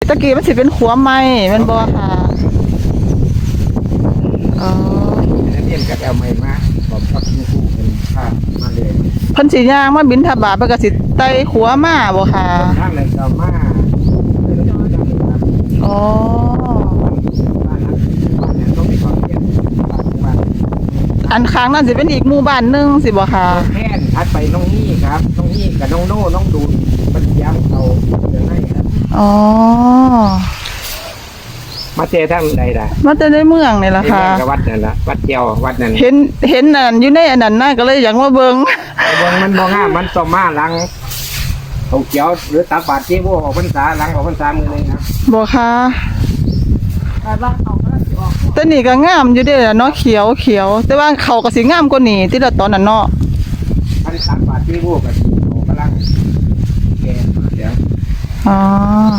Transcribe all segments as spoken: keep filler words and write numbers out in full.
ตะกี้มันสิเป็นขัวไม้แมันบ่ค่ะอ๋อนักเรียนก็เอาไม้มาบอกกับคุณครูเป็นภาพมาเลยเพิ่นสิย่างมาบิณฑบาตเพิ่นก็สิไต่ขัวมาบ่ค่ะทางเลยก็มาเลยก็ได้ครับอ๋อบ้านนั้นบ้านนั้นต้องมีความเรียนบ้านอันข้างนั้นสิเป็นอีกหมู่บ้านหนึงสิบ่ค่ะแค่นทัดไปน้องนี่ครับน้องนี่กับน้องโน่น้องดูนมันย้ำเขาเดี๋ยวให้ครับอ๋อมาเจอทั้งใดล่ะมาแต่ในเมืองนี่ล่ะค่ะกับวัดนั่นละวัดเดียววัดนั่นเห็นเห็นอันอยู่ในอันนั้นน่ะก็เลยอยากมาเบิ่งเบิ่งมันบ่งามมันต่อมาหลังเขาเขียวหรือตาบาดที่พวกออกพรรษาหลังออกพรรษามือนึงครับบ่ค่ะแต่ว่าเขาก็สิออกแต่นี่ก็งามอยู่เด้ล่ะเนาะเขียวเขียวแต่ว่าเขาก็สิงามกว่านี้ที่ละตอนนั้นเนาะพันตาบาดที่พวกกับเขากำลังแก่เดี๋ยวอ๋อ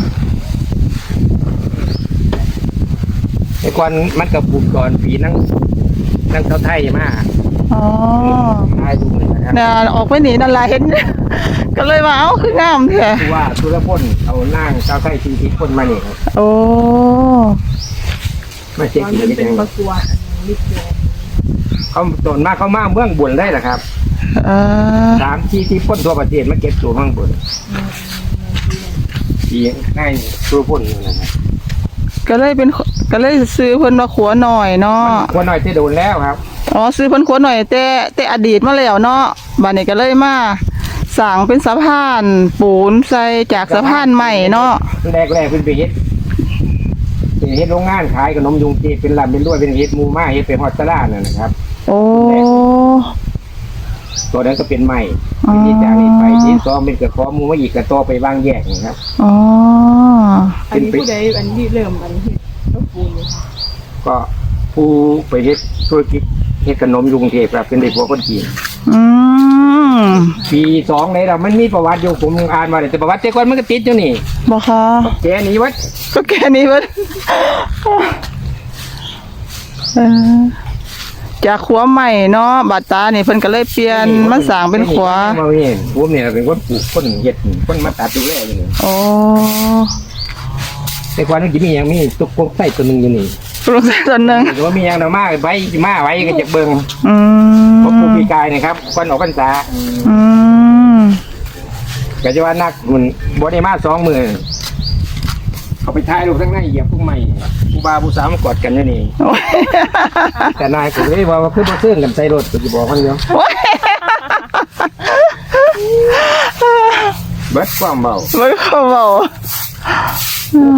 ไอ้ควันมันกับปุ่มก่อนผีนั่งนั่งเท้าไทยมาอ๋อทายดูเลยนะครับน่ะออกไปนี่นั่นล่ะเห็น ก็เลยว่าเอ้าคืองามแท้คือว่าสุรพลเอานั่งเท้าไทยทีที่คนมาเนี่ยครับโอ้มาเช็คตอนดีมันกัเป็นนประกวดมิตรเขาตนมากเขามาเมืองบุญได้แหละครับเออสามที่ที่พ้นทั่วประเทศมาเก็บตัวเมืองบุญที่ง่ายสุรพลนี่นะครับก็เลยเป็นก็เลยซื้อเพิ่นมาขัวหน่อยเนาะคนน้อยที่โดนแล้วครับอ๋อซื้อเพิ่นขัวหน่อยแต่แต่อดีตมาแล้วเนาะบัดนี้ก็เลยมาสร้างเป็นสะพานปูนใส่จากสะพานใหม่เนาะแรกแรกๆเป็นไปเฮ็ดเป็นเฮ็ดโรงงานขายขนมยุงจีเป็นลำเป็นด้วยเป็นเฮ็ดหมูม่าเฮ็ดเป็นฮอตตาล่านั่นนะครับโอ้ตัวนั้นก็เป็นใหม่อ๋อที่จากนี้ไปที่สองเป็นกระขอหมูมาอีกกระโตอไปวางแยกนะครับอ๋ออันนี้ผู้ใดอันนี้เริ่มอันนี้ก็ปูนเลยค่ะก็ผู้ไปเฮ็ดธุรกิจเฮ็ดขนมยุงเทพครับเป็นเด็กหัวคนจีนอืมปีสองเลยเรามันมีประวัติอยู่ผมอ่านมาแต่ประวัติแต่ก่อนมันก็ติดอยู่นี่บ่ค่ะแกหนีวัดก็แค่นี้เพิ่นเออจากขัวใหม่เนาะบาดตานี่เพิ่นก็เลยเปลี่ยนมาสร้างเป็นขัวมาเนี่ยผมเนี่ยเป็นคนปลูกคนเฮ็ดคนมาตัดดูแลอยู่นี่โอ้แต่ก่อนมันจะมีอย่างมีตุกกงไส้ตัวหนึงอยู่นี่ปลูกใส่ต้นหนึงแต่ว่ามีอย่างเรามาไว้มาไว้ก็จะเบิ่งอืเพราะมปลูกปีกายนะครับคนออกพรรษาอืมก็จะว่านักมันบ่ได้มาสองมือเขาไปถ่ายรูปทั้งในเหยียบพวกใหม่ผู้บ่าวผู้สาวมากอดกันอยู่นี่โอ้ยแต่นายก็เลยว่าว่าคือบ่ซื้อกันใส่รถก็สิบอกมันอยู่โอ้ยเบิดความเบาไม่เข้าเบา